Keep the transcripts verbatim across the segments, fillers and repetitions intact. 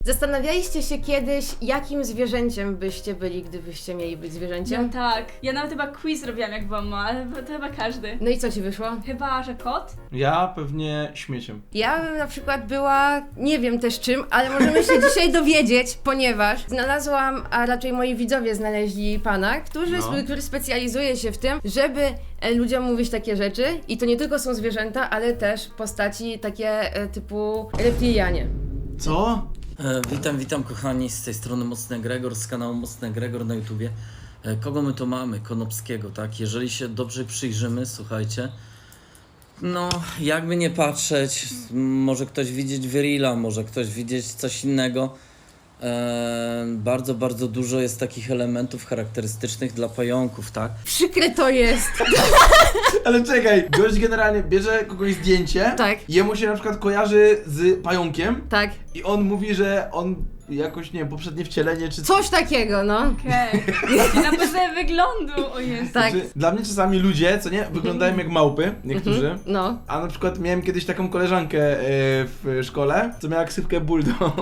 Zastanawialiście się kiedyś, jakim zwierzęciem byście byli, gdybyście mieli być zwierzęciem? No tak. Ja nawet chyba quiz robiłam jak byłam mała, ale to chyba każdy. No i co ci wyszło? Chyba, że kot? Ja pewnie śmieciem. Ja bym na przykład była, nie wiem też czym, ale możemy się dzisiaj dowiedzieć, ponieważ znalazłam, a raczej moi widzowie znaleźli pana, który, No. który specjalizuje się w tym, żeby e, ludziom mówić takie rzeczy i to nie tylko są zwierzęta, ale też postaci takie e, typu reptilianie. Co? E, witam, witam kochani, z tej strony Mocny Gregor, z kanału Mocny Gregor na YouTubie. E, kogo my tu mamy? Konopskiego, tak? Jeżeli się dobrze przyjrzymy, słuchajcie, no jakby nie patrzeć, może ktoś widzieć Virila, może ktoś widzieć coś innego. E, bardzo, bardzo dużo jest takich elementów charakterystycznych dla pająków, tak? Przykre to jest. Ale czekaj, gość generalnie bierze kogoś zdjęcie, Tak. jemu się na przykład kojarzy z pająkiem Tak. i on mówi, że on jakoś, nie wiem, poprzednie wcielenie czy Coś takiego, no. Okej. Okay. Na podstawie wyglądu, o jest. Tak. Znaczy, dla mnie czasami ludzie, co nie, wyglądają jak małpy, niektórzy. Mhm. No. A na przykład miałem kiedyś taką koleżankę yy, w szkole, co miała ksywkę bulldog.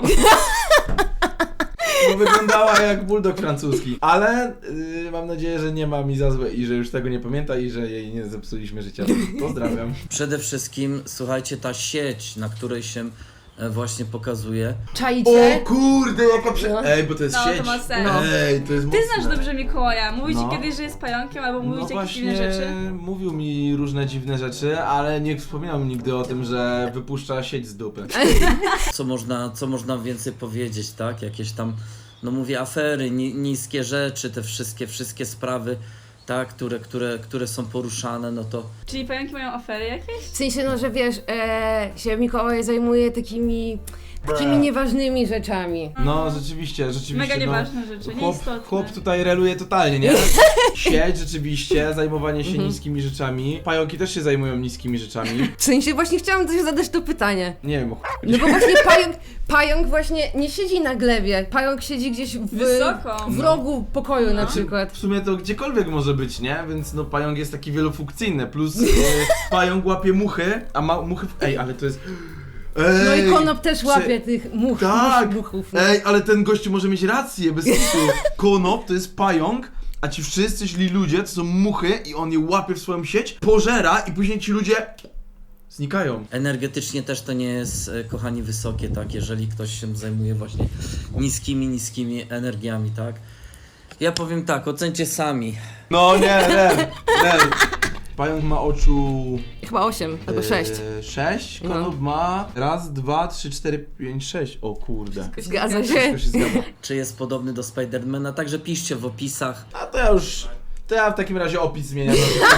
Bo wyglądała jak bulldog francuski. Ale yy, mam nadzieję, że nie ma mi za złe i że już tego nie pamięta i że jej nie zepsuliśmy życia. Pozdrawiam. Przede wszystkim, słuchajcie, ta sieć, na której się e, właśnie pokazuje, Czaicie? O kurde, jaka prze... No. Ej, bo to jest No, to sieć. ma sens. No. Ej, to jest Ty mocne. znasz dobrze Mikołaja. Mówi ci No. kiedyś, że jest pająkiem, albo mówi No ci jakieś właśnie, inne rzeczy? mówił mi różne dziwne rzeczy, ale nie wspominał mi nigdy o tym, że wypuszcza sieć z dupy. co można, co można więcej powiedzieć, tak? Jakieś tam, no mówię, afery, ni niskie rzeczy, te wszystkie, wszystkie sprawy, tak? Które, które, które są poruszane, no to Czyli pająki mają afery jakieś? W sensie, no, że wiesz, e, się Mikołaj zajmuje takimi, takimi nieważnymi rzeczami. No rzeczywiście, rzeczywiście. Mega no, nieważne rzeczy, Chłop, nieistotne. chłop tutaj reluje totalnie, nie? Sieć rzeczywiście, zajmowanie się niskimi rzeczami. Pająki też się zajmują niskimi rzeczami. W sensie, właśnie chciałam też zadać to pytanie. Nie wiem, o ch... No bo właśnie pająk, pająk właśnie nie siedzi na glebie, pająk siedzi gdzieś w, Wysoko. w rogu pokoju na No. przykład. W sumie to gdziekolwiek może być, nie? Więc no pająk jest taki wielofunkcyjny, plus e, pająk łapie muchy, a ma muchy w... Ej, ale to jest... Ej, No i Konop też czy- łapie tych much, Tak! muchów. No. Ej, ale ten gościu może mieć rację, bez kitu. Konop to jest pająk, a ci wszyscy źli ludzie to są muchy i on je łapie w swoją sieć, pożera i później ci ludzie znikają. energetycznie też to nie jest, e, kochani, wysokie, tak? Jeżeli ktoś się zajmuje właśnie niskimi, niskimi energiami, tak? Ja powiem tak, ocencie sami. No nie, nie, nie. Pająk ma oczu... Chyba osiem albo sześć. E, sześć, No. Konop ma raz, dwa, trzy, cztery, pięć, sześć. O kurde. Zgadza się. Wszystko się zgadza. Czy jest podobny do Spidermana? Także piszcie w opisach. A to ja już... To ja w takim razie opis zmieniam.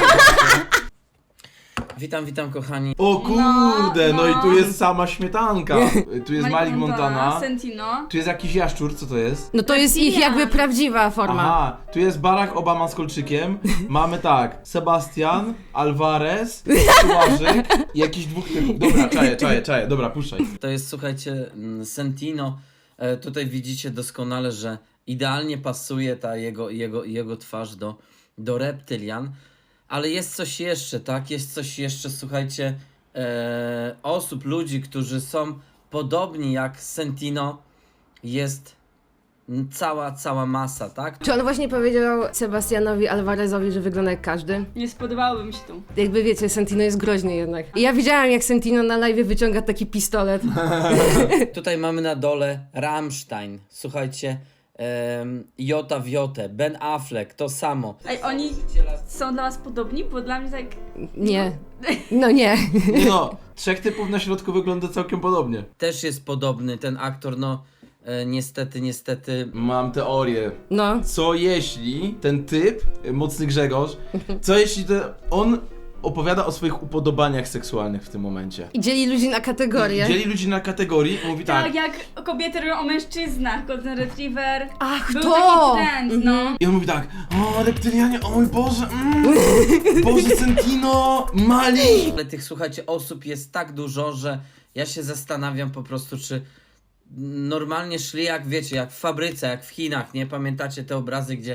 Witam, witam kochani. O kurde, no, No, i tu no. jest sama śmietanka. Tu jest Malik Montana. Sentino. Tu jest jakiś jaszczur, co to jest? No to jest ich jakby prawdziwa forma. Aha, tu jest Barack Obama z kolczykiem. Mamy tak, Sebastian, Alvarez, Tułażyk i jakiś dwóch typów. Dobra, czaję, czaję, czaję, dobra, puszczaj. To jest, słuchajcie, mm, Sentino. E, tutaj widzicie doskonale, że idealnie pasuje ta jego, jego, jego twarz do, do reptylian. Ale jest coś jeszcze, tak? Jest coś jeszcze, słuchajcie, e, osób, ludzi, którzy są podobni jak Sentino. Jest mm, cała, cała masa, tak? Czy on właśnie powiedział Sebastianowi Alvarezowi, że wygląda jak każdy? Nie spodobałoby mi się tu. Jakby wiecie, Sentino jest groźny jednak. I ja widziałam, jak Sentino na live wyciąga taki pistolet. Tutaj mamy na dole Rammstein, słuchajcie, em, Jota w Jotę, Ben Affleck, to samo. Ej, oni są dla was podobni? Bo dla mnie tak... Nie. No nie. Nie no, trzech typów na środku wygląda całkiem podobnie. Też jest podobny ten aktor, no e, niestety, niestety. Mam teorię. No. Co jeśli ten typ, y, Mocny Grzegorz, co jeśli to on opowiada o swoich upodobaniach seksualnych w tym momencie? I dzieli ludzi na kategorie. Dzieli ludzi na kategorii i mówi Tak, tak. jak kobiety robią o mężczyznach, Golden Retriever. Ach, Był to! taki trend, no. I on mówi tak, o reptylianie, o mój Boże, mm, Boże Sentino, Mali. Ale tych, słuchajcie, osób jest tak dużo, że ja się zastanawiam po prostu, czy normalnie szli jak, wiecie, jak w fabryce, jak w Chinach, nie? Pamiętacie te obrazy, gdzie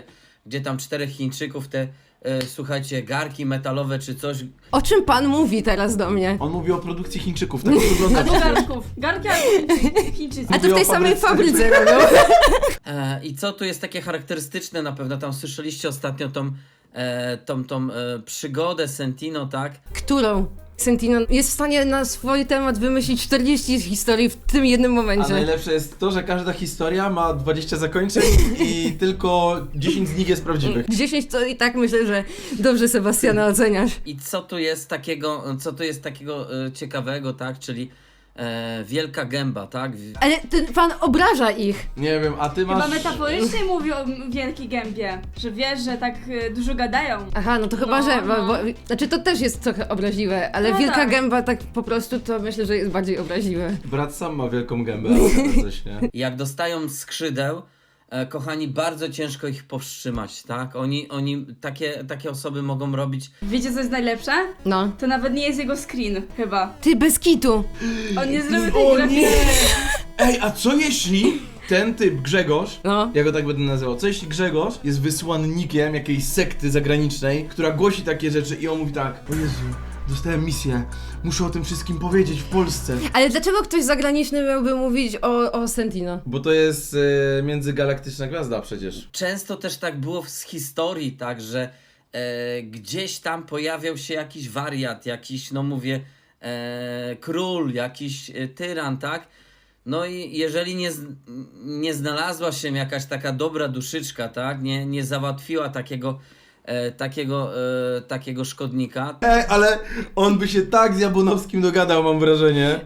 gdzie tam czterech Chińczyków, te, e, słuchajcie, garki metalowe czy coś. O czym pan mówi teraz do mnie? On mówi o produkcji Chińczyków, tak to wygląda. Albo garnków. Garki albo Chińczycy- Chińczycy. A to w tej o samej fabryce. fabryce robią. E, I co tu jest takie charakterystyczne na pewno, tam słyszeliście ostatnio tą, e, tą, tą e, przygodę Sentino, tak? Którą? Sentino jest w stanie na swój temat wymyślić czterdzieści historii w tym jednym A momencie. najlepsze jest to, że każda historia ma dwadzieścia zakończeń i tylko dziesięć z nich jest prawdziwych. dziesięć to i tak myślę, że dobrze Sebastiana oceniasz. I co tu jest takiego, co tu jest takiego e, ciekawego, tak? Czyli e, wielka gęba, tak? Ale ten pan obraża ich. Nie wiem, a ty Chyba masz... metaforycznie mówi o m- wielkiej gębie, że wiesz, że tak y, dużo gadają. Aha, no to chyba, No, że... Bo, no. bo, znaczy to też jest trochę obraźliwe, ale No wielka tak. gęba tak po prostu to myślę, że jest bardziej obraźliwe. Brat sam ma wielką gębę, ale coś, nie? Jak dostają skrzydeł, e, kochani, bardzo ciężko ich powstrzymać, tak? Oni, oni takie, takie osoby mogą robić. Wiecie co jest najlepsze? No. To nawet nie jest jego screen, chyba. Ty, bez kitu. On nie zrobił tej O grafiki. nie! Ej, a co jeśli ten typ, Grzegorz, No. ja go tak będę nazywał, co jeśli Grzegorz jest wysłannikiem jakiejś sekty zagranicznej, która głosi takie rzeczy i on mówi tak: o Jezu, dostałem misję, muszę o tym wszystkim powiedzieć w Polsce. Ale dlaczego ktoś zagraniczny miałby mówić o, o Sentino? Bo to jest e, międzygalaktyczna gwiazda przecież. Często też tak było z historii, tak, że e, gdzieś tam pojawiał się jakiś wariat, jakiś, no mówię, e, król, jakiś e, tyran, tak? No i jeżeli nie, z- nie znalazła się jakaś taka dobra duszyczka, tak? Nie, nie załatwiła takiego, e, takiego, e, takiego szkodnika, Ej, ale on by się tak z Jabłonowskim dogadał, mam wrażenie.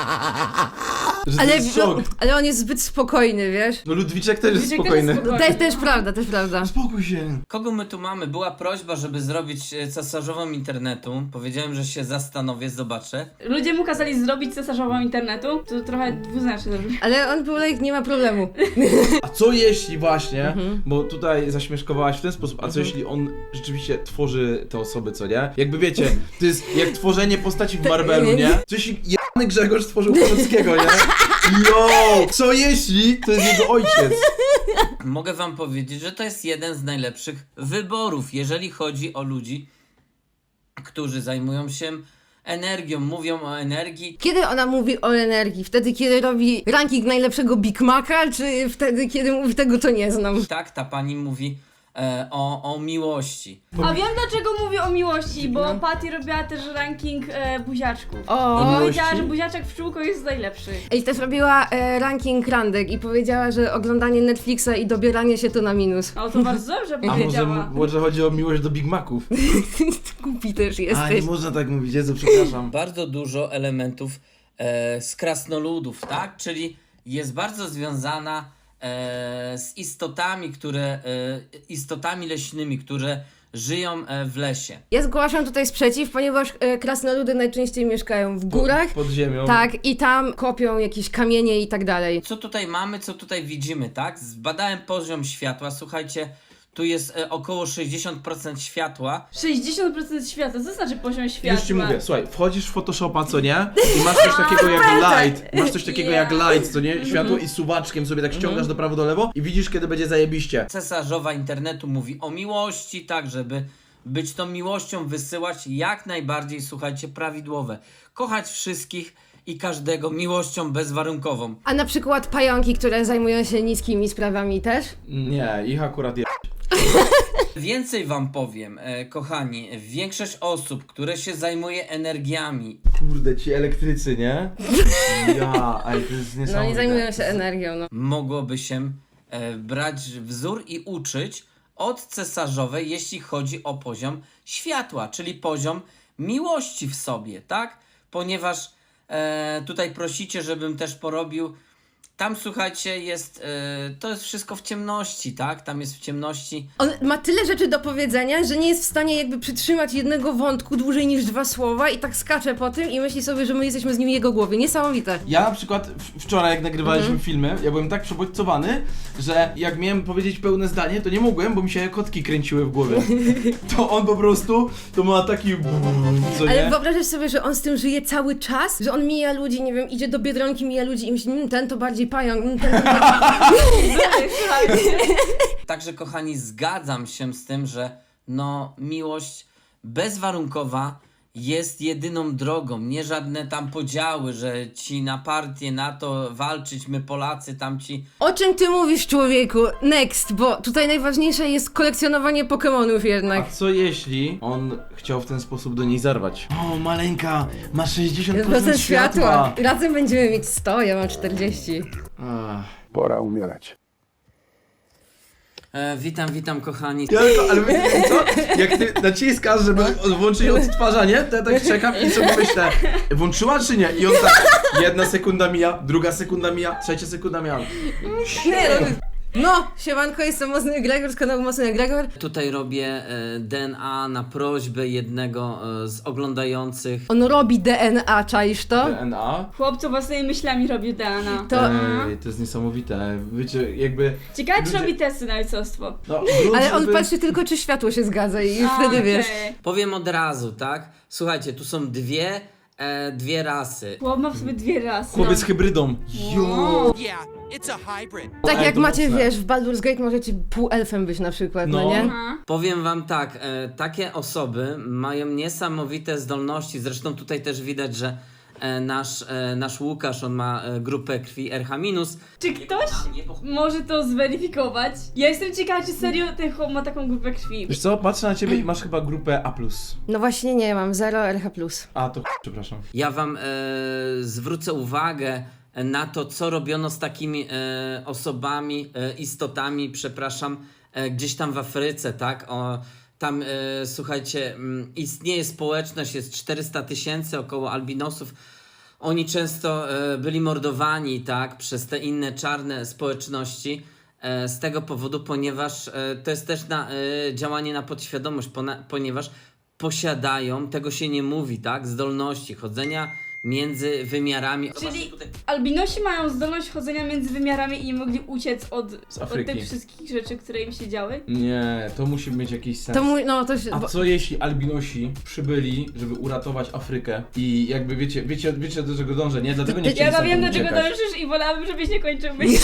Że Ale, to jest szok. no, ale on jest zbyt spokojny, wiesz? No Ludwiczek też jest Ludwiczek też spokojny. jest No, spokojny. też, też prawda, też prawda. Spokój się. Kogo my tu mamy? Była prośba, żeby zrobić e, cesarzową internetu. Powiedziałem, że się zastanowię, zobaczę. Ludzie mu kazali zrobić cesarzową internetu, to trochę dwuznacznie zrobił. Ale on był like, nie ma problemu. A co jeśli właśnie, Mhm. bo tutaj zaśmieszkowałaś w ten sposób, a co jeśli on rzeczywiście tworzy te osoby, co nie? Jakby wiecie, to jest jak tworzenie postaci w Marvelu, nie? Co jeśli jany Grzegorz stworzył Polskiego, nie? Yo! Co jeśli to jest jego ojciec? Mogę wam powiedzieć, że to jest jeden z najlepszych wyborów, jeżeli chodzi o ludzi, którzy zajmują się energią, mówią o energii. Kiedy ona mówi o energii? Wtedy, kiedy robi ranking najlepszego Big Maca, czy wtedy, kiedy mówi tego, co nie znam? Tak, ta pani mówi e, o, o miłości. A wiem dlaczego mówię o miłości, bo No. Patty robiła też ranking e, buziaczków. O, I miłości? powiedziała, że buziaczek w czółko jest najlepszy. I też robiła e, ranking randek i powiedziała, że oglądanie Netflixa i dobieranie się to na minus. O, to bardzo dobrze A może, powiedziała. może chodzi o miłość do Big Maców? Głupi też A, nie jesteś. można tak mówić, Jezu, przepraszam. Bardzo dużo elementów e, z krasnoludów, tak? Czyli jest bardzo związana e, z istotami, które, e, istotami leśnymi, które żyją e, w lesie. Ja zgłaszam tutaj sprzeciw, ponieważ e, krasnoludy najczęściej mieszkają w górach. Pod ziemią. Tak, i tam kopią jakieś kamienie i tak dalej. Co tutaj mamy, co tutaj widzimy, tak? Zbadałem poziom światła, słuchajcie, tu jest e, około sześćdziesiąt procent światła. sześćdziesiąt procent świata, co znaczy poziom światła? Już ci mówię, słuchaj, wchodzisz w Photoshopa, co nie? I masz coś takiego jak light, masz coś takiego jak light, co nie? Światło i suwaczkiem sobie tak ściągasz do prawo, do lewo i widzisz, kiedy będzie zajebiście. Cesarzowa internetu mówi o miłości, tak, żeby być tą miłością, wysyłać jak najbardziej, słuchajcie, prawidłowe. Kochać wszystkich i każdego miłością bezwarunkową. A na przykład pająki, które zajmują się niskimi sprawami też? Nie, ich akurat je... Więcej wam powiem, e, kochani, większość osób, które się zajmuje energiami, Kurde, ci elektrycy, nie? Ja, ale to jest niesamowite. No nie zajmują się energią, no. mogłoby się e, brać wzór i uczyć od cesarzowej, jeśli chodzi o poziom światła, czyli poziom miłości w sobie, tak? Ponieważ e, tutaj prosicie, żebym też porobił. Tam, słuchajcie, jest, e, to jest wszystko w ciemności, tak? Tam jest w ciemności. On ma tyle rzeczy do powiedzenia, że nie jest w stanie jakby przytrzymać jednego wątku dłużej niż dwa słowa i tak skacze po tym i myśli sobie, że my jesteśmy z nim w jego głowie. Niesamowite. Ja na przykład w- wczoraj, jak nagrywaliśmy filmy, ja byłem tak przebodźcowany, że jak miałem powiedzieć pełne zdanie, to nie mogłem, bo mi się kotki kręciły w głowie. To on po prostu, to ma taki... Co Ale nie? wyobrażasz sobie, że on z tym żyje cały czas? Że on mija ludzi, nie wiem, idzie do Biedronki, mija ludzi i myśli, mmm, ten to bardziej taki pająk. mm, ten- Słuchajcie. Także kochani, zgadzam się z tym, że no miłość bezwarunkowa jest jedyną drogą, nie żadne tam podziały, że ci na partię, na to walczyć, my Polacy, tamci. O czym ty mówisz, człowieku? Next, bo tutaj najważniejsze jest kolekcjonowanie Pokemonów jednak. A co jeśli on chciał w ten sposób do niej zarwać? O, maleńka, ma sześćdziesiąt procent Procent światła. światła. Razem będziemy mieć sto, ja mam czterdzieści. Ach. Pora umierać. E, witam, witam kochani. Ja tylko, ale wiecie co? Jak ty naciskasz, żeby włączyć odtwarzanie, to ja tak czekam i sobie myślę, włączyła czy nie? I on tak, jedna sekunda mija, druga sekunda mija, trzecia sekunda mija. Nie, no, no, siemanko, jestem Mocny Gregor z kanału Mocny Gregor. Tutaj robię e, D N A na prośbę jednego e, z oglądających. On robi D N A, czaisz to? D N A? Chłopcu własnymi myślami robi D N A. To... Ej, to jest niesamowite. Wiecie, jakby... Ciekawe, czy ludzie- robi testy na ojcostwo. No, grunt, Ale on żeby- patrzy tylko, czy światło się zgadza i już A, wtedy wiesz. okej. Powiem od razu, tak? Słuchajcie, tu są dwie, e, dwie rasy. Chłop ma w sobie dwie rasy. Chłopiec z hybridą. Jo! Yeah, it's a hybrid. Tak Ej, jak to macie, mocne. wiesz, w Baldur's Gate możecie półelfem być na przykład, no, No. nie? Aha. Powiem wam tak, e, takie osoby mają niesamowite zdolności, zresztą tutaj też widać, że e, nasz, e, nasz Łukasz, on ma e, grupę krwi R H minus. Czy ktoś może to zweryfikować? Ja jestem ciekawa, czy serio ten chłop ma taką grupę krwi. Wiesz co, patrzę na ciebie i masz chyba grupę A plus. No właśnie nie, mam zero R H plus. A, to ch- przepraszam. Ja wam e, zwrócę uwagę na to, co robiono z takimi e, osobami, e, istotami, przepraszam, e, gdzieś tam w Afryce, tak? O, tam, e, słuchajcie, mm, istnieje społeczność, jest czterysta tysięcy około albinosów. Oni często e, byli mordowani, tak, przez te inne czarne społeczności. E, z tego powodu, ponieważ e, to jest też na, e, działanie na podświadomość, pona, ponieważ posiadają, tego się nie mówi, tak, zdolności chodzenia między wymiarami. Czyli Zobaczcie tutaj. albinosi mają zdolność chodzenia między wymiarami i nie mogli uciec od, Z od Afryki. tych wszystkich rzeczy, które im się działy. Nie, to musi mieć jakiś sens. To mój, no to się... A bo- co jeśli albinosi przybyli, żeby uratować Afrykę i jakby wiecie, wiecie, wiecie do czego dążę, nie? Dlatego nie Ja chcieli Ja wiem, stamtąd do czego uciekać. dążysz i wolałabym, żebyś nie kończył myśli.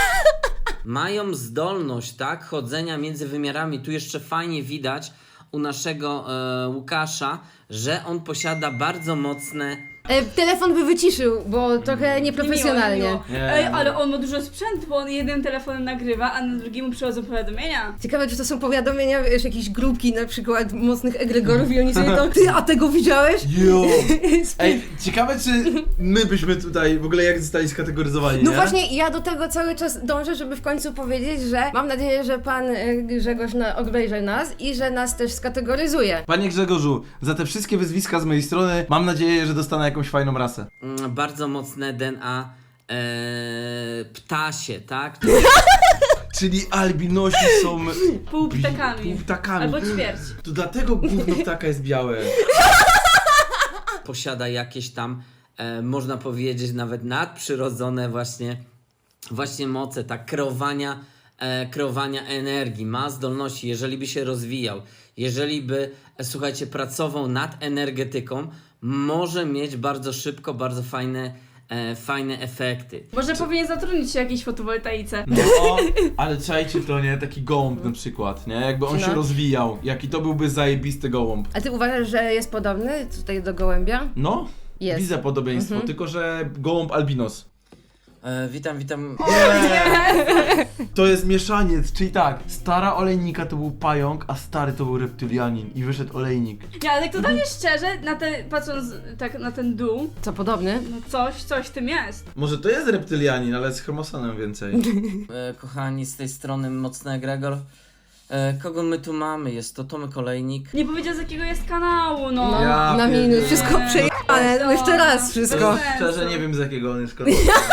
Mają zdolność, tak, chodzenia między wymiarami. Tu jeszcze fajnie widać u naszego e, Łukasza, że on posiada bardzo mocne. E, telefon by wyciszył, bo trochę nieprofesjonalnie. Niemiło, niemiło. Nie, Ej, no. ale on ma dużo sprzętu, bo on jednym telefonem nagrywa, a na drugim mu przychodzą powiadomienia. Ciekawe, czy to są powiadomienia, wiesz, jakiejś grupki na przykład mocnych egregorów i oni sobie to... Ty, a tego widziałeś? Jo! Ej, ciekawe czy my byśmy tutaj w ogóle jak zostali skategoryzowani, No nie? właśnie, ja do tego cały czas dążę, żeby w końcu powiedzieć, że mam nadzieję, że pan e, Grzegorz na, obejrzy nas i że nas też skategoryzuje. Panie Grzegorzu, za te wszystkie wyzwiska z mojej strony mam nadzieję, że dostanę jakąś fajną rasę. Mm, bardzo mocne D N A e, ptasie, tak? Czyli albinosi są... Pół ptakami. Pół ptakami. Albo ćwierć. To dlatego gówno ptaka jest białe. Posiada jakieś tam, e, można powiedzieć, nawet nadprzyrodzone właśnie, właśnie moce, tak, kreowania, e, kreowania energii. Ma zdolności, jeżeli by się rozwijał, jeżeli by, e, słuchajcie, pracował nad energetyką, może mieć bardzo szybko, bardzo fajne, e, fajne efekty. Może powinien zatrudnić się w jakiejś fotowoltaice. No, ale czajcie to, nie? Taki gołąb na przykład, nie? Jakby on No. się rozwijał. Jaki to byłby zajebisty gołąb. A ty uważasz, że jest podobny tutaj do gołębia? No, Jest. widzę podobieństwo, Mhm. tylko że gołąb albinos. E, witam, witam. To jest mieszaniec, czyli tak, stara olejnika to był pająk, a stary to był reptylianin i wyszedł olejnik. Nie, ale tak totalnie szczerze, na te, patrząc tak na ten dół, Co, podobny? no coś, coś w tym jest. Może to jest reptylianin, ale z chromosonem więcej. E, kochani, z tej strony Mocny Egregor. E, kogo my tu mamy? Jest to Tomek Olejnik. Nie powiedział z jakiego jest kanału, no. No, Ja na minus, pierdzielę. wszystko przejechane, no jeszcze raz wszystko. Szczerze nie wiem z jakiego on jest kolor.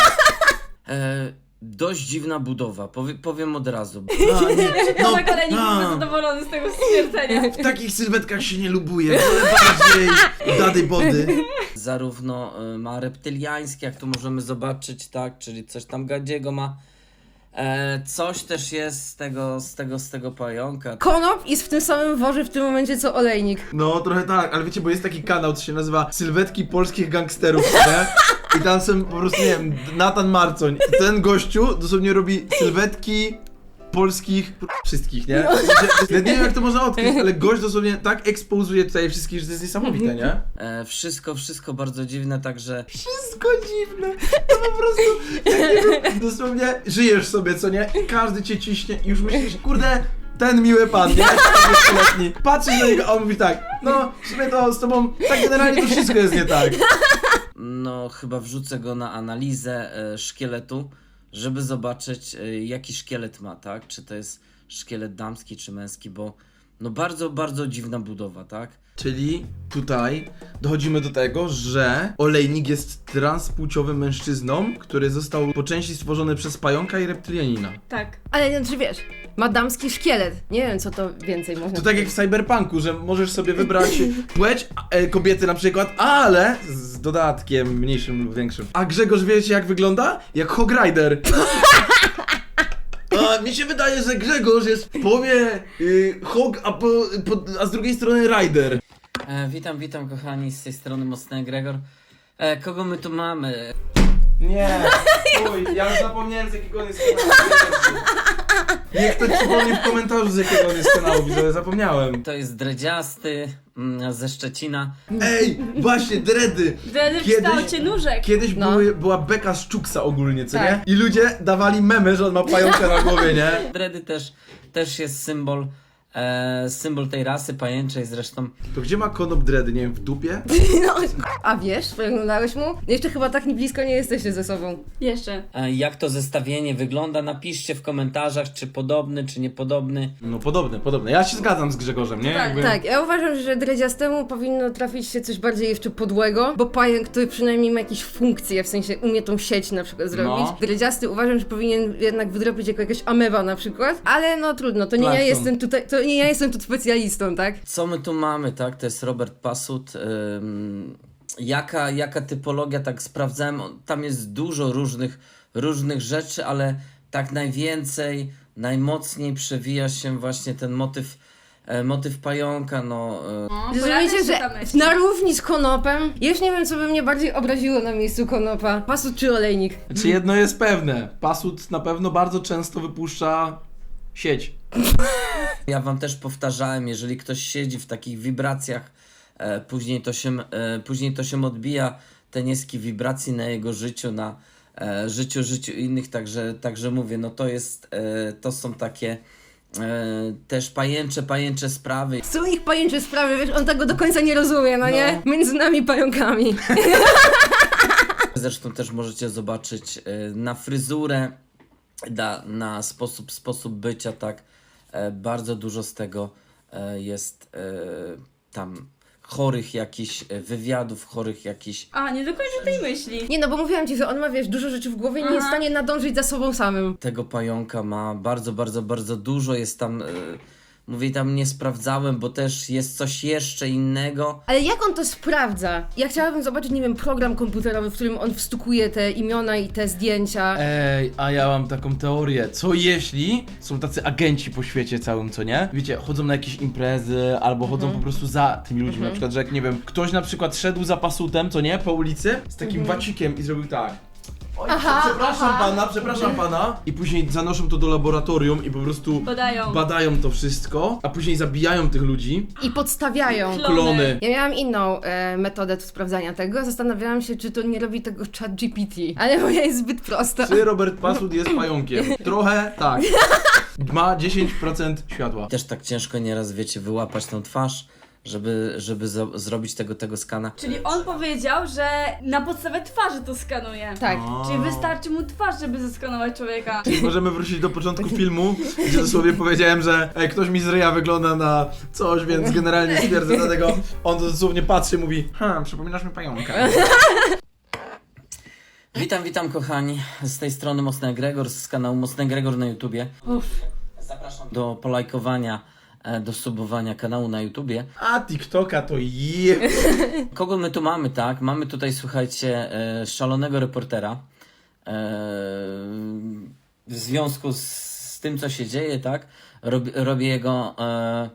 E, dość dziwna budowa, Powie, powiem od razu. No, nie, Tomek Olejnik no. byłby zadowolony z tego stwierdzenia. W takich sylwetkach się nie lubuje, ale bardziej dady body. Zarówno e, ma reptyliańskie, jak tu możemy zobaczyć, tak, czyli coś tam gadziego ma. E, coś też jest z tego, z tego, z tego pająka. Konop jest w tym samym worze w tym momencie co olejnik. No trochę tak, ale wiecie, bo jest taki kanał, co się nazywa Sylwetki polskich gangsterów, nie? i tam są po prostu, nie wiem, Nathan Marcoń. Ten gościu dosłownie robi sylwetki polskich wszystkich, nie? Ja nie wiem, jak to można odkryć, ale gość dosłownie tak ekspozuje tutaj wszystkich, że to jest niesamowite, nie? E, wszystko, wszystko bardzo dziwne, także Wszystko dziwne. To po prostu, jak nie wiem, dosłownie żyjesz sobie, co nie? I każdy cię ciśnie i już myślisz, kurde, ten miły pan, nie? trzydziestoletni. Patrzysz na niego, a on mówi tak, no, w sumie to z tobą, tak generalnie to wszystko jest nie tak. no chyba wrzucę go na analizę e, szkieletu, żeby zobaczyć e, jaki szkielet ma, tak? Czy to jest szkielet damski czy męski, bo no bardzo, bardzo dziwna budowa, tak? Czyli tutaj dochodzimy do tego, że olejnik jest transpłciowym mężczyzną, który został po części stworzony przez pająka i reptylianina. Tak. Ale znaczy wiesz, ma damski szkielet. Nie wiem, co to więcej można To tak jak w cyberpunku, że możesz sobie wybrać płeć e, kobiety na przykład, ale z dodatkiem mniejszym lub większym. A Grzegorz, wiecie jak wygląda? Jak Hog Rider. A mi się wydaje, że Grzegorz jest w połowie y, Hog, a, po, po, a z drugiej strony Rider. E, witam, witam kochani, z tej strony Mocny Gregor. E, kogo my tu mamy? Nie, uj, ja już zapomniałem z jakiego on jest kanału. Niech ktoś przypomni w komentarzu z jakiego on jest kanału, widzowie, zapomniałem. To jest dredziasty mm, ze Szczecina. Ej, właśnie, dready. Wtedy w Kiedyś- kształcie nóżek. Kiedyś No. były, była beka z Czuksa ogólnie, co Tak. nie? I ludzie dawali memy, że on ma pająka na głowie, nie? Dredy też, też jest symbol, e, symbol tej rasy pajęczej zresztą. To gdzie ma konop dready, nie wiem, w dupie? No, a wiesz, oglądałeś mu? Jeszcze chyba tak nie blisko nie jesteście ze sobą. Jeszcze. E, jak to zestawienie wygląda? Napiszcie w komentarzach, czy podobny, czy niepodobny. No podobne, podobne. Ja się zgadzam z Grzegorzem, nie? Tak, Jakby... Tak, ja uważam, że dredziastemu powinno trafić się coś bardziej jeszcze podłego, bo pająk, który przynajmniej ma jakieś funkcje, w sensie umie tą sieć na przykład zrobić. No. Dredziasty uważam, że powinien jednak wydropić jako jakaś ameba na przykład, ale no trudno, to nie ja Plankton. jestem tutaj, to nie ja jestem tu specjalistą, tak? Co my tu mamy, tak? To jest Robert Pasut. Ym, jaka, jaka typologia, tak sprawdzałem, on- tam jest dużo różnych, różnych rzeczy, ale tak najwięcej, najmocniej przewija się właśnie ten motyw, e, motyw pająka, no... E, No, Zrozumiecie, pojawia się że ta myśl. na równi z konopem, już nie wiem, co by mnie bardziej obraziło na miejscu konopa, pasut czy olejnik. Czy jedno jest pewne, Pasut na pewno bardzo często wypuszcza sieć. Ja wam też powtarzałem, jeżeli ktoś siedzi w takich wibracjach, e, później, to się, e, później to się odbija, te niskie wibracji na jego życiu, na e, życiu, życiu innych, także, także mówię, no to jest, e, to są takie e, też pajęcze, pajęcze sprawy. Są ich pajęcze sprawy, wiesz, on tego do końca nie rozumie, no, nie? Między nami pająkami. Zresztą też możecie zobaczyć e, na fryzurę, na, na sposób, sposób bycia, tak, e, bardzo dużo z tego e, jest e, tam chorych jakichś e, wywiadów, chorych jakichś... A, nie dokończę tej myśli. Nie no, bo mówiłam ci, że on ma, wiesz, dużo rzeczy w głowie i nie jest w Aha. stanie nadążyć za sobą samym. Tego pająka ma bardzo, bardzo, bardzo dużo, jest tam... E, mówię, tam nie sprawdzałem, bo też jest coś jeszcze innego. Ale jak on to sprawdza? Ja chciałabym zobaczyć, nie wiem, program komputerowy, w którym on wstukuje te imiona i te zdjęcia. Ej, a ja mam taką teorię. Co jeśli są tacy agenci po świecie całym, co nie? Wiecie, chodzą na jakieś imprezy, albo chodzą po prostu za tymi ludźmi. Na przykład, że jak nie wiem, ktoś na przykład szedł za Pasutem, co nie? Po ulicy z takim wacikiem i zrobił tak. Oj, Aha, przepraszam aha. pana, przepraszam pana. I później zanoszą to do laboratorium i po prostu Badają. badają to wszystko, a później zabijają tych ludzi. I podstawiają. Klony. Klony. Ja miałam inną e, metodę tu sprawdzania tego. Zastanawiałam się, czy to nie robi tego chat G P T. Ale moja jest zbyt prosta. Czy Robert Pasut jest pająkiem? Trochę tak. Ma dziesięć procent światła. Też tak ciężko nieraz, wiecie, wyłapać tą twarz, żeby, żeby zo- zrobić tego, tego skana. Czyli on powiedział, że na podstawie twarzy to skanuje. Tak. Czyli wystarczy mu twarz, żeby zeskanować człowieka. Możemy wrócić do początku filmu, gdzie dosłownie powiedziałem, że ej, ktoś mi z ryja wygląda na coś, więc generalnie stwierdzę, dlatego on dosłownie patrzy i mówi hmm, przypominasz mi pająka. Witam, witam kochani, z tej strony Mocny Gregor, z kanału Mocny Gregor na YouTubie. Uff. Zapraszam do polajkowania, e, do subowania kanału na YouTubie. A TikToka to je... Kogo my tu mamy, tak? Mamy tutaj, słuchajcie, e, szalonego reportera. E, w związku z, z tym, co się dzieje, tak? Rob, robię jego e,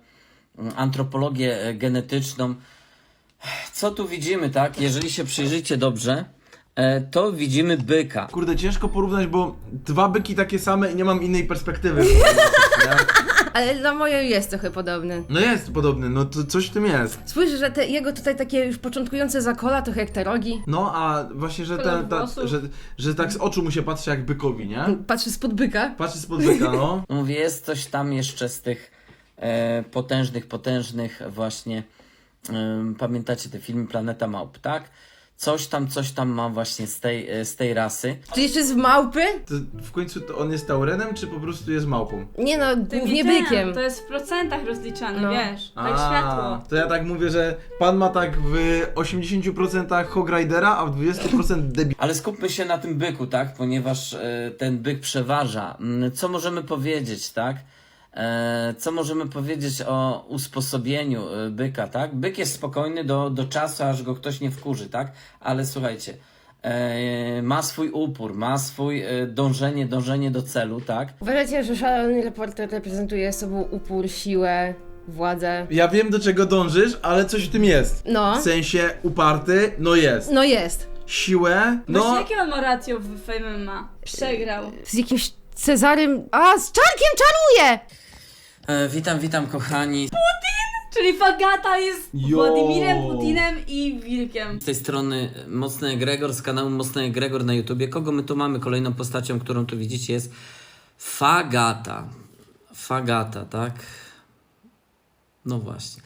antropologię genetyczną. Co tu widzimy, tak? Jeżeli się przyjrzycie dobrze, e, to widzimy byka. Kurde, ciężko porównać, bo dwa byki takie same i nie mam innej perspektywy. Nie? Ale dla mojej jest trochę podobny. No jest podobny, no to coś w tym jest. Spójrz, że te jego tutaj takie już początkujące zakola, trochę jak te rogi. No a właśnie, że, Kolor ta, ta, włosów. że, że tak z oczu mu się patrzy jak bykowi, nie? Patrzy spod byka. Patrzy spod byka, no. Mówię, jest coś tam jeszcze z tych e, potężnych, potężnych właśnie, e, pamiętacie te filmy Planeta Małp, tak? Coś tam, coś tam ma właśnie z tej, e, z tej rasy. Czy jeszcze z małpy? To w końcu to on jest taurenem, czy po prostu jest małpą? Nie no, Ty głównie ten, bykiem. To jest w procentach rozliczane, No. wiesz, tak światło. To ja tak mówię, że pan ma tak w osiemdziesięciu procentach Hog Ridera, a w dwudziestu procentach debi... Ale skupmy się na tym byku, tak? Ponieważ e, ten byk przeważa. Mm, Co możemy powiedzieć, tak? E, co możemy powiedzieć o usposobieniu e, byka, tak? Byk jest spokojny do, do czasu, aż go ktoś nie wkurzy, tak? Ale słuchajcie, e, ma swój upór, ma swój e, dążenie, dążenie do celu, tak? Uważacie, że szalony reporter reprezentuje sobą upór, siłę, władzę? Ja wiem do czego dążysz, ale coś w tym jest. No. W sensie uparty, no jest. No jest. Siłę, No. Właśnie no... jakie on ma ratio w Fame M M A? Przegrał. Z jakimś Cezarym... A, z Czarkiem czaruje! E, witam, witam kochani. Czyli Fagata jest Jo. Władimirem Putinem i Wilkiem. Z tej strony Mocny Egregor z kanału Mocny Egregor na YouTubie. Kogo my tu mamy? Kolejną postacią, którą tu widzicie, jest Fagata. Fagata, tak? No właśnie.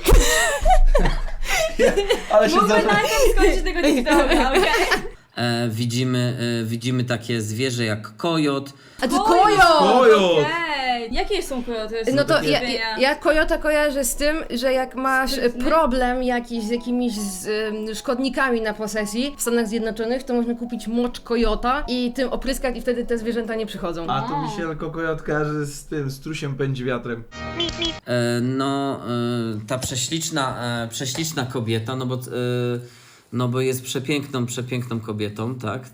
Ale się Mógłby za... najpierw skończyć tego TikToka, okej? E, widzimy, e, widzimy takie zwierzę jak kojot. A to Kojot! kojot! Kojot! Okej. Jakie są kojoty? No to takie ja, żywienia. ja, ja kojota kojarzę z tym, że jak masz e, Sprytny. problem jakiś z jakimiś z, em, szkodnikami na posesji w Stanach Zjednoczonych, to można kupić mocz kojota i tym opryskać i wtedy te zwierzęta nie przychodzą. A to mi się tylko kojot kojarzy z tym, strusiem pędzi wiatrem. E, no, e, ta prześliczna, e, prześliczna kobieta, no bo, e, no bo jest przepiękną, przepiękną kobietą, tak?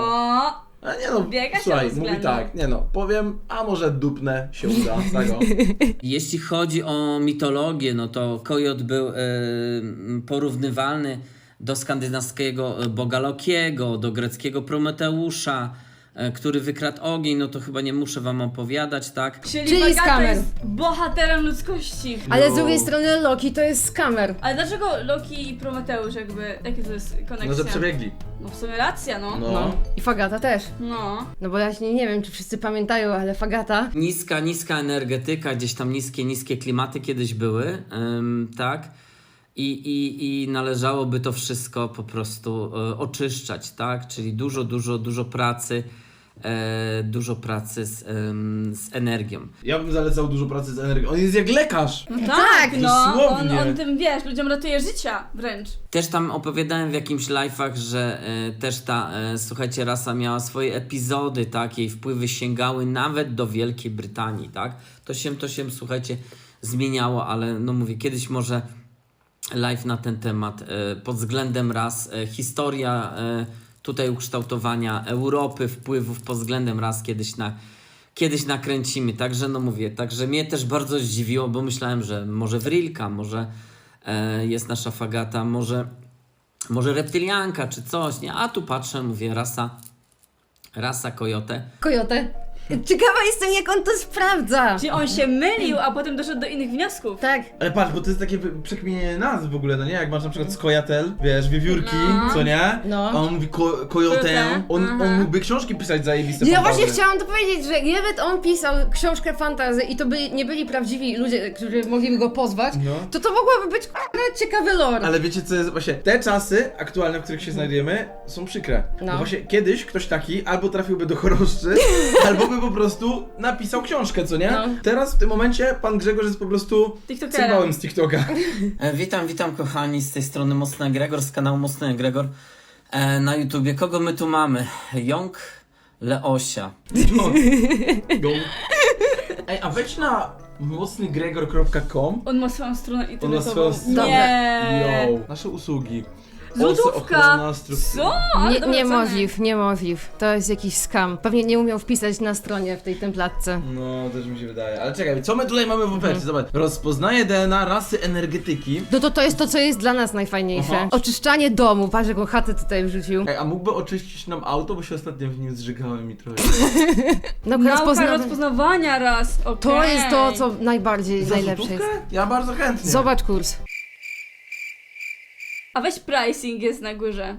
O, A nie no, Biega się słuchaj, względem. mówi tak, nie no, powiem, a może dupnę się uda, tego. Jeśli chodzi o mitologię, no to kojot był e, porównywalny do skandynawskiego boga Lokiego, do greckiego Prometeusza, e, który wykradł ogień, no to chyba nie muszę wam opowiadać, tak? czyli, Czyli Fagata skamer. jest bohaterem ludzkości. Ale No. z drugiej strony Loki to jest skamer. Ale dlaczego Loki i Prometeusz jakby, jakie to jest koneksja? No, że przebiegli. No w sumie racja, no. No. No. I Fagata też. No. No bo ja się nie wiem, czy wszyscy pamiętają, ale Fagata... Niska, niska energetyka, gdzieś tam niskie, niskie klimaty kiedyś były, ym, tak? I, i, I należałoby to wszystko po prostu e, oczyszczać, tak? Czyli dużo, dużo, dużo pracy, e, dużo pracy z, em, z energią. Ja bym zalecał dużo pracy z energią. On jest jak lekarz! No tak, tak, no. On, dosłownie. on tym, wiesz, ludziom ratuje życia wręcz. Też tam opowiadałem w jakimś live'ach, że e, też ta, e, słuchajcie, rasa miała swoje epizody, tak? Jej wpływy sięgały nawet do Wielkiej Brytanii, tak? To się, to się, słuchajcie, zmieniało, ale no mówię, kiedyś może live na ten temat e, pod względem ras, e, historia e, tutaj ukształtowania Europy, wpływów pod względem ras kiedyś na kiedyś nakręcimy, także no mówię, także mnie też bardzo zdziwiło, bo myślałem, że może Wrilka, może e, jest nasza Fagata, może, może reptylianka czy coś, nie? A tu patrzę, mówię, rasa, rasa kojotę. Kojotę. Ciekawa jestem, jak on to sprawdza. Czyli on się mylił, a potem doszedł do innych wniosków. Tak. Ale patrz, bo to jest takie wy- przekminienie nazw w ogóle, no nie? Jak masz na przykład skojatel, wiesz, wiewiórki, No. co nie? No. A on mówi ko- kojotę, Kojotę, on, aha. on mógłby książki pisać zajebiste. Ja fantazy. właśnie chciałam to powiedzieć, że gdyby on pisał książkę fantasy i to by nie byli prawdziwi ludzie, którzy mogliby go pozwać, No. to to mogłoby być k***a ciekawy lore. Ale wiecie co jest właśnie, te czasy aktualne, w których się znajdujemy, są przykre. No. No. Właśnie kiedyś ktoś taki albo trafiłby do choroszczy, albo by po prostu napisał książkę, co nie? No. Teraz w tym momencie pan Grzegorz jest po prostu TikTokerem. cymbałem z TikToka. E, witam, witam kochani, z tej strony Mocny Egregor, z kanału Mocny Egregor e, na YouTubie. Kogo my tu mamy? Jąg Leosia. Go. Ej, a wejdź na mocny gregor kropka com. On ma swoją stronę On ma internetową. swoją stronę. Nie. Yo. Nasze usługi. Lodówka! ochrona struktury. Co? Ale Nie, dobre ceny. niemożliw, niemożliw. To jest jakiś scam. Pewnie nie umiał wpisać na stronie w tej templatce. No, też mi się wydaje. Ale czekaj, co my tutaj mamy w ofercie? Zobacz. Rozpoznaje D N A rasy energetyki. No to to jest to, co jest dla nas najfajniejsze. Aha. Oczyszczanie domu. Patrz, jaką chatę tutaj wrzucił. Ej, a mógłby oczyścić nam auto, bo się ostatnio w nim zżygałem i trochę. No, Nauka rozpozna... rozpoznawania raz, okej. To jest to, co najbardziej, Za najlepsze jest. złotówkę? Ja bardzo chętnie. Zobacz kurs. A weź pricing jest na górze.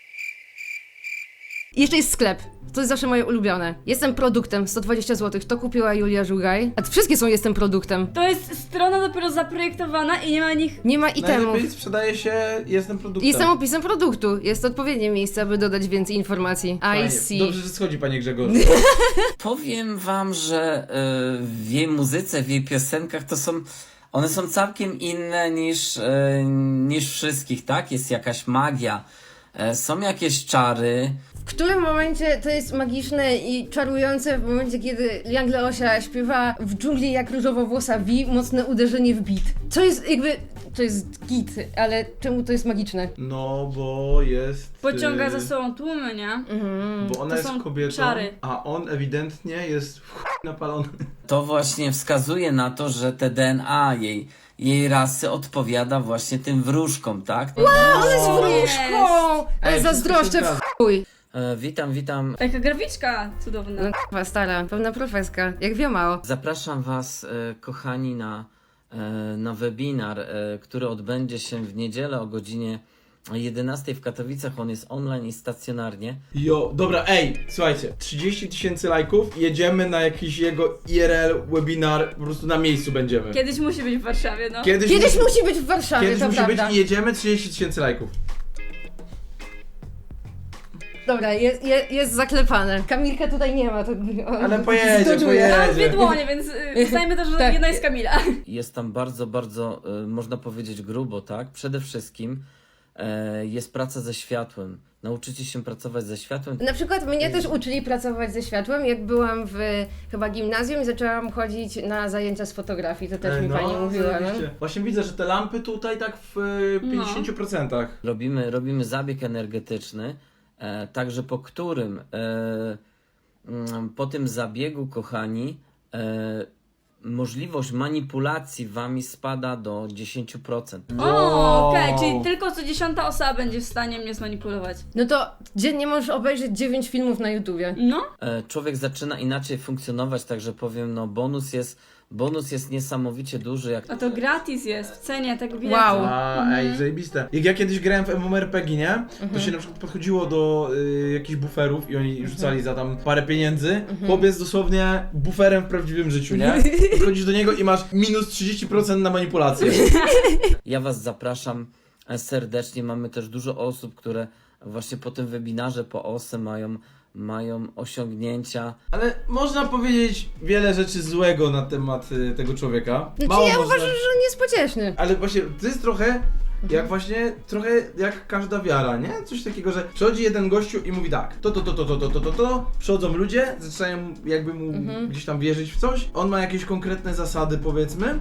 I jeszcze jest sklep. To jest zawsze moje ulubione. Jestem produktem, sto dwadzieścia złotych. To kupiła Julia Żugaj. A wszystkie są jestem produktem. To jest strona dopiero zaprojektowana i nie ma nich... Nie ma itemów. Najlepiej sprzedaje się jestem produktem. Jestem opisem produktu. Jest to odpowiednie miejsce, aby dodać więcej informacji. I Fajnie. see. Dobrze, że schodzi, panie Grzegorz. Powiem wam, że y, w jej muzyce, w jej piosenkach to są, one są całkiem inne niż, y, niż wszystkich, tak? Jest jakaś magia, y, są jakieś czary. W którym momencie to jest magiczne i czarujące? W momencie, kiedy Young Leosia śpiewa w dżungli jak różowowłosa Vi, mocne uderzenie w beat. Co jest jakby... To jest git, ale czemu to jest magiczne? No, bo jest... Pociąga y, za sobą tłumy, nie? Mhm. Bo ona To jest są kobietą, czary. a on ewidentnie jest w chuj napalony. To właśnie wskazuje na to, że te D N A jej, jej rasy odpowiada właśnie tym wróżkom, tak? Ale z wróżką! Ale Ej, zazdroszczę wszystko się w chuj! E, witam, witam. Taka graficzka cudowna. No k***a, stara, pełna profeska, jak wiadomo. Zapraszam Was, e, kochani, na, e, na webinar, e, który odbędzie się w niedzielę o godzinie jedenastej w Katowicach. On jest online i stacjonarnie. Jo, dobra, ej, słuchajcie, trzydzieści tysięcy lajków, jedziemy na jakiś jego I R L webinar, po prostu na miejscu będziemy. Kiedyś musi być w Warszawie, no. Kiedyś, Kiedyś musi, musi być w Warszawie, kiedyś to musi prawda. być i jedziemy trzydzieści tysięcy lajków. Dobra, jest, jest, jest zaklepane. Kamilka tutaj nie ma, to on Ale pojedzie, zdodżuje. pojedzie. Mam dwie dłonie, więc y, uznajmy to, że Tak. jedna jest Kamila. Jest tam bardzo, bardzo, e, można powiedzieć, grubo, tak? Przede wszystkim e, jest praca ze światłem. Nauczycie się pracować ze światłem. Na przykład mnie też uczyli pracować ze światłem, jak byłam w chyba gimnazjum i zaczęłam chodzić na zajęcia z fotografii, to też Ej, mi pani mówiła, no. zajebiście. Właśnie widzę, że te lampy tutaj tak w y, No. pięćdziesięciu procentach. Robimy, robimy zabieg energetyczny, e, także po którym e, mm, po tym zabiegu, kochani, e, możliwość manipulacji wami spada do dziesięć procent. O, okej, czyli tylko co dziesiąta osoba będzie w stanie mnie zmanipulować. No to dziennie możesz obejrzeć dziewięć filmów na YouTubie. No? E, człowiek zaczyna inaczej funkcjonować, także powiem, no bonus jest, bonus jest niesamowicie duży. Jak A to gratis jest, w cenie tego biletu. Wow. A, ej, zajebiste. Jak ja kiedyś grałem w MMORPG, nie? To się na przykład podchodziło do y, jakichś buferów i oni rzucali za tam parę pieniędzy. Chłop jest dosłownie buferem w prawdziwym życiu, nie? Podchodzisz do niego i masz minus trzydzieści procent na manipulację. Ja Was zapraszam e, serdecznie. Mamy też dużo osób, które właśnie po tym webinarze po O S E mają, mają osiągnięcia. Ale można powiedzieć wiele rzeczy złego na temat y, tego człowieka. Znaczy Mało ja można... uważam, że on jest pocieszny. Ale właśnie to jest trochę jak właśnie, trochę jak każda wiara, nie? Coś takiego, że przychodzi jeden gościu i mówi tak, to, to, to, to, to, to, to, to, to, przychodzą ludzie, zaczynają jakby mu gdzieś tam wierzyć w coś, on ma jakieś konkretne zasady, powiedzmy,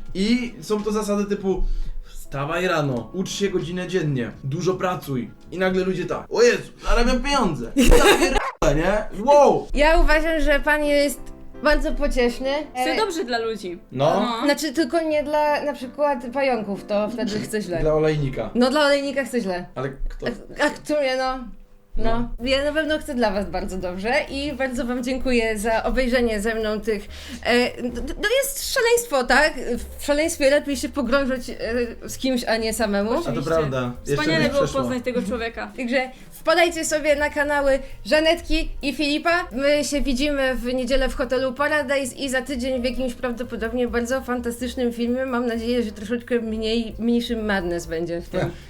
i są to zasady typu wstawaj rano, ucz się godzinę dziennie, dużo pracuj i nagle ludzie tak, o Jezu, zarabiam pieniądze, ja pierdolę, nie? Wow! Ja uważam, że pan jest bardzo pocieszny. Chce dobrze dla ludzi. No, Znaczy tylko nie dla na przykład pająków, to wtedy chce źle. dla olejnika, No dla olejnika chce źle. ale kto? A, a które no... No, ja na pewno chcę dla Was bardzo dobrze i bardzo Wam dziękuję za obejrzenie ze mną tych... E, to jest szaleństwo, tak? W szaleństwie lepiej się pogrążyć e, z kimś, a nie samemu. A to Oczywiście. prawda, jeszcze Wspaniale nie było przeszło. poznać tego człowieka. Także wpadajcie sobie na kanały Żanetki i Filipa. My się widzimy w niedzielę w hotelu Paradise i za tydzień w jakimś prawdopodobnie bardzo fantastycznym filmie. Mam nadzieję, że troszeczkę mniej, mniejszym madness będzie w tym.